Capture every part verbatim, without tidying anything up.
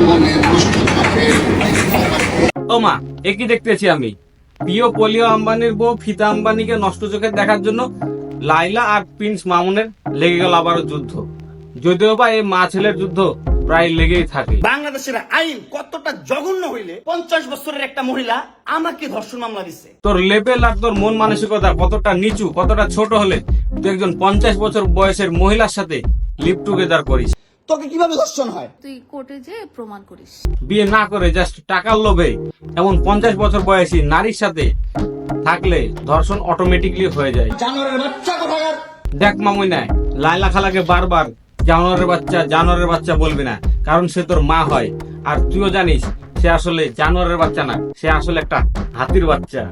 ও মা, এ কি দেখতেছি আমি? প্রিয় পোলিও আম্বানির বউ ফিতা আম্বানিকে নষ্ট চোখে দেখার জন্য লাইলা আর প্রিন্স মামুনের লেগে গেল আবারও যুদ্ধ। যদিও বা এই মা ছেলের যুদ্ধ প্রায় লেগেই থাকে। বাংলাদেশের আইন কতটা জঘন্য হইলে পঞ্চাশ বছরের একটা মহিলা আমাকে ধর্ষণ মামলা দিচ্ছে। তোর লেভেল আর তোর মন মানসিকতা কতটা নিচু, কতটা ছোট হলে তুই একজন পঞ্চাশ বছর বয়সের মহিলার সাথে লিভ টুগেদার করিস? তোকে কিভাবে ধর্ষণ হয় তুই কোর্টে যে প্রমাণ করিস। বিয়ে না করে জাস্ট টাকার লোভে এমন পঞ্চাশ বছর বয়সী নারীর সাথে থাকলে ধর্ষণ অটোমেটিকলি হয়ে যায়। জানোয়ারের বাচ্চা কোথাকার। দেখ মামুই না, লাইলা খালাকে বারবার জানোয়ারের বাচ্চা জানোয়ারের বাচ্চা বলবি না, কারণ সে তোর মা হয়। আর তুইও জানিস সে আসলে জানোয়ারের বাচ্চা না, সে আসলে একটা হাতির বাচ্চা।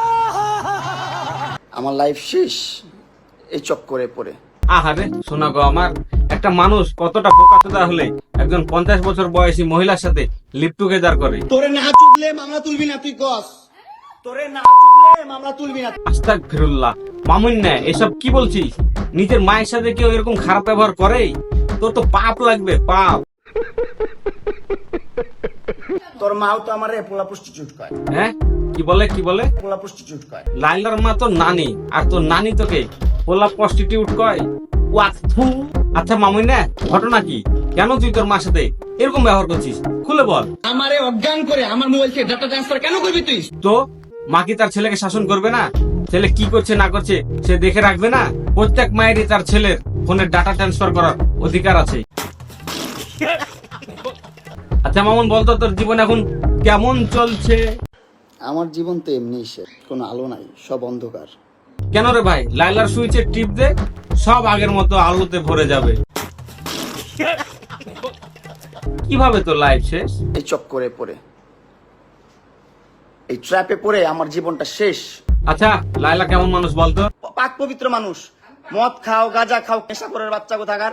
আমার লাইফ শেষ এই চক্করে পড়ে। আহারে শোনা গো আমার, একটা মানুষ কতটা বোকাচোদা হলে একজন পঞ্চাশ বছর বয়সী মহিলার সাথে লিভ টুগেদার করে। তোরে না চুদলে মামলা তুলবি না, তুই কস। তোরে না চুদলে মামলা তুলবি না। আস্তাগফিরুল্লাহ। মামুন না, এসব কি বলছিস? নিজের মায়ের সাথে কেউ এরকম খারাপ ব্যবহার করে? তোর তো পাপ লাগবে, পাপ। তোর মাও তো আমারে পোলা প্রস্টিটিউট কয়। হ্যাঁ, কি বলে কি বলে? পোলা প্রস্টিটিউট কয়। লাইলার মা তো নানি, আর তোর নানি তোকে পোলা প্রস্টিটিউট কয়? ওয়াথু। আচ্ছা মামুন না, ঘটনা কি? কেন তুই তোর মার সাথে এরকম ব্যবহার করছিস? খুলে বল। আমারে অজ্ঞান করে আমার মোবাইল থেকে ডাটা ট্রান্সফার কেন করবি তুই? তো মা কি তার ছেলেকে শাসন করবে না? ছেলে কি করছে না করছে সে দেখে রাখবে না? প্রত্যেক মায়েরই তার ছেলের ফোনের ডাটা ট্রান্সফার করার অধিকার আছে। আচ্ছা মামুন, বলতো তোর জীবন এখন কেমন চলছে? আমার জীবন তো এমনি শেষ, কোনো আলো নাই, সব অন্ধকার। কেন রে ভাই? লাইলার সুইচে টিপ দে, সব আগের মতো আলোতে ভরে যাবে। কিভাবে তো লাইফ শেষ? এই চক্করে পড়ে, এই ট্র্যাপে পড়ে আমার জীবনটা শেষ। আচ্ছা লাইলা কেমন মানুষ বলতো? পাক পবিত্র মানুষ। মদ খাও, গাঁজা খাও, নেশা করার বাচ্চা কোথাকার।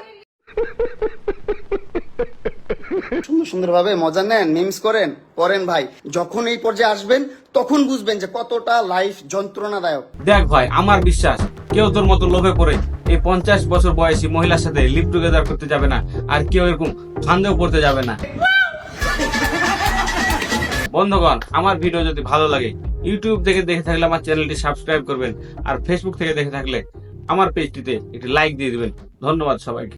সুন্দর সুন্দর ভাবে মজা নেন, মিমস করেন, করেন ভাই। যখন এই পর্যায়ে আসবেন তখন বুঝবেন যে কতটা লাইফ যন্ত্রণাদায়ক। দেখ ভাই, আমার বিশ্বাস কেউ তোর মতো লোভে পড়ে এই পঞ্চাশ বছর বয়সী মহিলার সাথে লিভ টুগেদার করতে যাবে না, আর কেউ এরকম ফান্দেও পড়তে যাবে না। বন্ধুগণ, আমার ভিডিও যদি ভালো লাগে, ইউটিউব থেকে দেখে থাকলে আমার চ্যানেলটি সাবস্ক্রাইব করবেন, আর ফেসবুক থেকে দেখে থাকলে আমার পেজটিতে একটি লাইক দিয়ে দিবেন। ধন্যবাদ সবাইকে।